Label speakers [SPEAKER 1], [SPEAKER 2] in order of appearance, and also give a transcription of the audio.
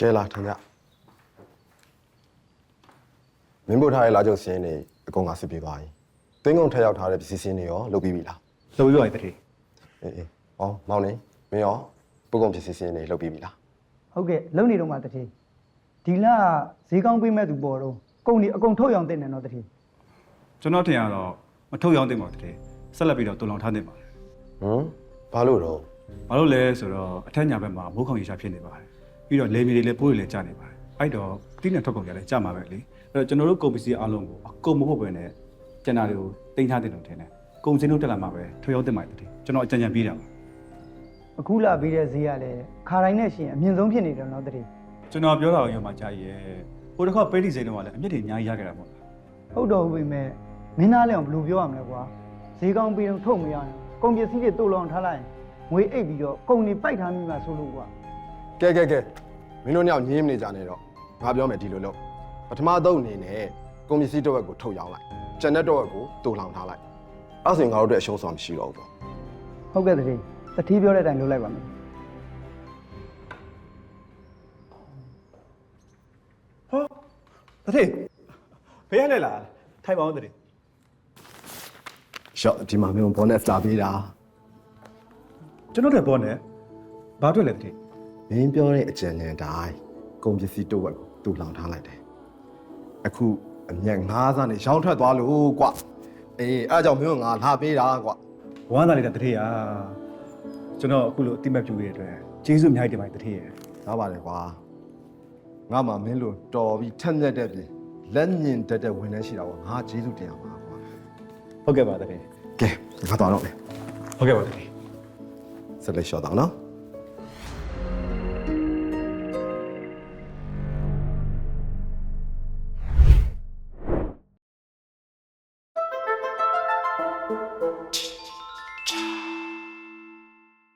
[SPEAKER 1] ကဲလာထိုင်ကြမင်းတို့ထားရဲ့လာကြုံစင်းနေအကုန်ကစစ်ပြေးသွားပြီသင်းကုန်းထက်ရောက်ထားတဲ့ပစ္စည်းစင်းတွေရောလုပ်ပြီးပြီလား
[SPEAKER 2] လုပ်ပြီးပါပြီတတိ
[SPEAKER 1] အေးဟောမောင်နေမင်းရောပုဂ္ဂုံပစ္စည်းစင်းတွေလုပ်ပြီးပြီလား
[SPEAKER 3] ဟုတ်ကဲ့လုံနေတော့မှတတိဒီလဈေးကောင်းပေးမဲ့သူပေါ်တော့ကုန်ဒီအကုန်ထုတ်ရောင်တင်တယ်နော်တတိ
[SPEAKER 2] ကျွန်တော်ထင်ရတော့မထုတ်ရောင်းတင်ပါတတိဆက်လက်ပြီးတော့တူလောင်ထားတင်ပါ
[SPEAKER 1] ဘာလို့တော့
[SPEAKER 2] ဘာလို့လဲဆိုတော့အထက်ညာဘက်မှာမိုးခေါင်ရေရှားဖြစ်နေပါတယ်ပြီးတော့လေမြေတွေလည်းပိုးတွေလည်းကျနေပါတယ်အဲ့တော့တိနဲ့ထုတ်ကုန်ကြလည်းကျမှာပဲလေအဲ့တော့ကျွန်တော်တို့ကုန်ပစ္စည်းအားလုံးကိုအကုန်မဟုတ်ပဲနဲ့ကျန်တာတွေကိုတင်ထားတင်လို့ထင်တယ်ကုန်စင်းတို့တက်လာမှာပဲထုတ်ရောင်းတင်ပါတတိကျွန်တော်အကြံဉာဏ်ပေးတာပါ
[SPEAKER 3] အခုလာပြီးတဲ့ဈေးကလည်းခါတိုင်းနဲ့ရှင်အမြင့်ဆုံးဖြစ်နေတယ်နော်တတိ
[SPEAKER 2] ကျွန်တော်ပြောတာကိုရောမှကြားရဲ့ဟိုတစ်ခါပဲတီစိန်တော့ကလည်းအမြင့်တွေအများကြီးရခဲ့တာပေါ့
[SPEAKER 3] ဟုတ်တော့ဘူးပဲမင်းသားလည်းဘယ်လိုပြောရမလဲကွာဈေးကောင်းပြီးတော့ထုတ်မရရင်ကုန်ပစ္စည်းတွေတိုးလောင်ထားလိုက်ရင်ငွေအိတ်ပြီးတော့ကုန်တွေပိုက်ထားမိမှဆိုလို့ကွာ
[SPEAKER 1] ကဲမင်းတို့ညောင်ညင်းမနေကြနဲ့တော့ငါပြောမယ်ဒီလိုလို့ပထမသုံးအနေနဲ့ကုန်ပစ္စည်းတစ်ဝက်ကိုထုတ်ရောင်းလိုက်ကျန်တဲ့တစ်ဝက်ကိုတိုးလောင်ထားလိုက်အဲ့ဆိုရင်ငါတို့အတွက်အရှုံးဆောင်မရှိတော့ဘူးပေါ့
[SPEAKER 3] ဟုတ်ကဲ့တတိပြောတဲ့အတိုင်းလုပ်လိုက်ပါမယ်
[SPEAKER 2] ဟောတတိဘယ်ရလဲလားထိုင်ပါဦးတတိ
[SPEAKER 1] ရှော့ဒီမှာမင်းဘောနက်စတာပေးတာ
[SPEAKER 2] ကျွန်တော်တို့ဘောနဲ့ဘာတွေ့လဲတတိ
[SPEAKER 1] မင်းပြောတဲ့အကြံဉာဏ်တိုင်းကုန်ပစ္စည်းတစ်ဝက်ကိုတူလောင်ထားလိုက်တယ်အခုအမြတ်9စားနဲ့ရောင်းထွက်သွားလို့ကွအေးအဲ့ကြောင့်မင်းကငါလာပေးတာကွ
[SPEAKER 2] ဝမ်းသာလိုက်တာတတိဟာကျွန်တော်အခုလိုအတိမတ်ပြူရတဲ့အတွက်ကျေးဇူးအများကြီးတင်ပါတယ်တတိရဲ့
[SPEAKER 1] ရပါတယ်ကွာငါမှမင်းလိုတော်ပြီးထက်မြက်တဲ့ပြင်လက်ညင်တက်တဲ့ဝန်ထမ်းရှိတာပေါ့ငါကျေးဇူးတင်ရမှာကွာ
[SPEAKER 2] ဟုတ်ကဲ့ပါတတိ
[SPEAKER 1] ကဲငါသွားတော့မယ်
[SPEAKER 2] ဟုတ်ကဲ့ပါတတိ
[SPEAKER 1] ဆက်လက်လျှော့တော့နော်